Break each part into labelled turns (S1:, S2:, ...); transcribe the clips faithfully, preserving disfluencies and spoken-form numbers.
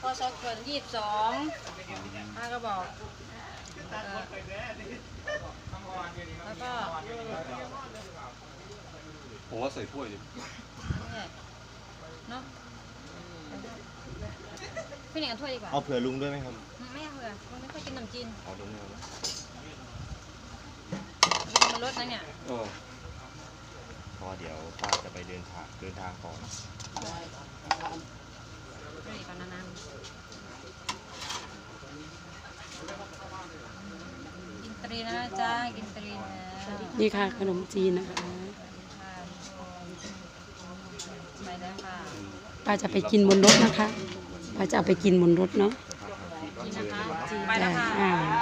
S1: พอซอกเกินยี่สิบสองป้าก็บอกแล้วก็
S2: ผมว่าใส่ถ้วยดิ
S1: เนาะพี่หนิงเอาถ้วยดีกว่า
S3: เอาเผื่อลุงด้วยไหมครับ
S1: ไม่เอาเผื่อลุงไม่ค่อยกินขนมจีน
S3: เอาลุงเอา
S1: มันลดนะเนี่ย
S3: เพราะเดี๋ยวป้าจะไปเดินทางเดินทางก่อน
S1: ด้วยก่อนนานๆกินตรีนะจ้ากินตรีนะ
S4: นี่ค่ะขนมจีนนะคะ
S1: ไปแล้วค่ะ
S4: ป้าจะไปกินบนรถนะคะป้าจะเอาไปกินบนรถเนาะ
S1: กินนะคะไปแล้วค่ะ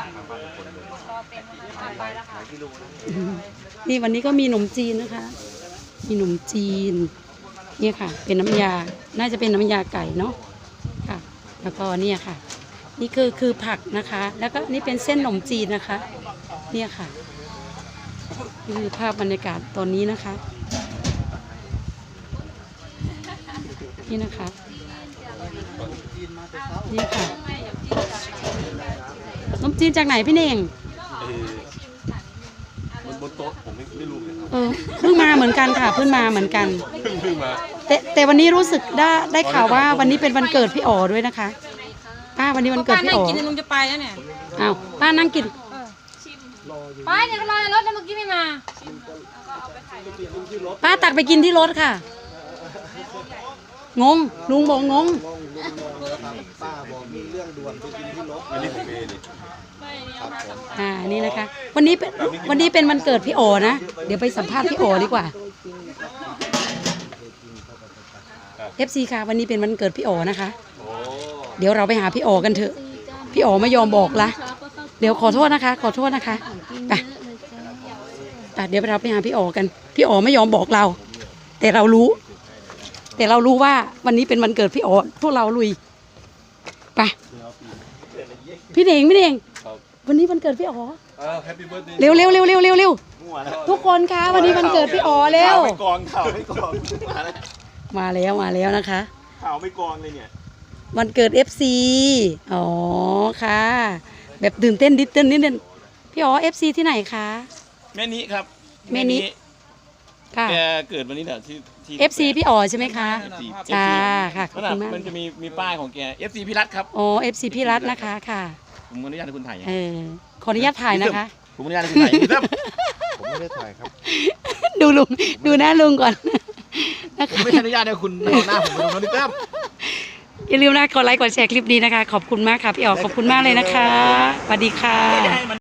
S1: ไปแล้วค่ะ
S4: นี่วันนี้ก็มีขนมจีนนะคะมีขนมจีนเนี่ยค่ะเป็นน้ำยาน่าจะเป็นน้ำยาไก่เนาะค่ะแล้วก็เนี่ยค่ะนี่คือคือผักนะคะแล้วก็นี่เป็นเส้นขนมจีนนะคะเนี่ยค่ะนี่คือภาพบรรยากาศตอนนี้นะคะนี่นะคะนี่ค่ะขนมจีนจากไหนพี่เน่ง
S2: บนโต๊ะผมไม่ไม่รู้เลยครับ
S4: เออเพิ่งมาเหมือนกันค่ะเพิ่งมาเหมือนกัน
S2: เพิ่งเพิ่งมา
S4: แต่แต่วันนี้รู้สึกได้ได้ข่าวว่าวันนี้เป็นวันเกิดพี่อ๋อด้วยนะคะป้าวันนี้วันเกิดพี่อ๋อป้านั่ง
S1: กินลุงจะไปแล้วเนี่ย
S4: อ้าวป้านั่งกิน
S1: ไปเนี่ยรอในรถเมื่อกี้ไม่มา
S4: ป้าตักไปกินที่รถค่ะงงลุงบอกงง
S3: ป้าบอกมีเรื่องด่วนไปกินที่รถ
S2: อันนี้ผมเองนี่
S4: อ่านี่นะคะวันนี้เป็นวันนี้เป็นวันเกิดพี่อ๋อนะเดี๋ยวไปสัมภาษณ์พี่อ๋อดีกว่า เอฟ ซี ค่ะวันนี้เป็นวันเกิดพี่อ๋อนะคะเดี๋ยวเราไปหาพี่อ๋อกันเถอะพี่อ๋อไม่ยอมบอกละเดี๋ยวขอโทษนะคะขอโทษนะคะไปแต่เดี๋ยวเราไปหาพี่อ๋อกันพี่อ๋อไม่ยอมบอกเราแต่เรารู้แต่เรารู้ว่าวันนี้เป็นวันเกิดพี่อ๋อพวกเราลุยไปพี่เน่งพี่เน่งวันนี้วันเกิดพี่อ๋อเร็วเร็วเร็วเร็วเร็วเร็วทุกคนคะวันนี้วันเกิดพี่อ๋อเร็ว
S3: ไม่กองข่าวไม่กอง
S4: มาแล้วมาแล้วนะคะ
S3: ข่าวไม่กองเลยเนี่ย
S4: วันเกิด เอฟ ซี อ๋อค่ะแบบตื่นเต้นดิเต้นนิดนึงพี่อ๋อ เอฟ ซี ที่ไหนคะ
S5: แม่นี้ครับ
S4: แม่นี้ค่ะ
S5: แกเกิดวันนี้แหละที่ที่
S4: เอฟ ซี พี่อ๋อใช่ไหมคะจ้าค่ะขอบคุณมาก
S5: มันจะมีมีป้ายของแก เอฟ ซี พี่รัตครับ
S4: อ๋อ เอฟ ซี พี่รัตนะคะค่ะ
S5: ผมอนุญาตให้คุณถ่าย
S4: เออขออนุญาตถ่ายนะคะ
S5: ผมอนุญาตให้คุณถ่าย
S3: ผมไม่ได้ถ่ายครับ
S4: ดูลุงดูหน้าลุงก่อน
S5: ผมไม่อนุญาตให้คุณเอาหน้าผมไปลงนะครับ
S4: อย่าลืมนะกดไลค์กดแชร์คลิปนี้นะคะขอบคุณมากค่ะพี่อ๋อขอบคุณมากเลยนะคะสวัสดีค่ะ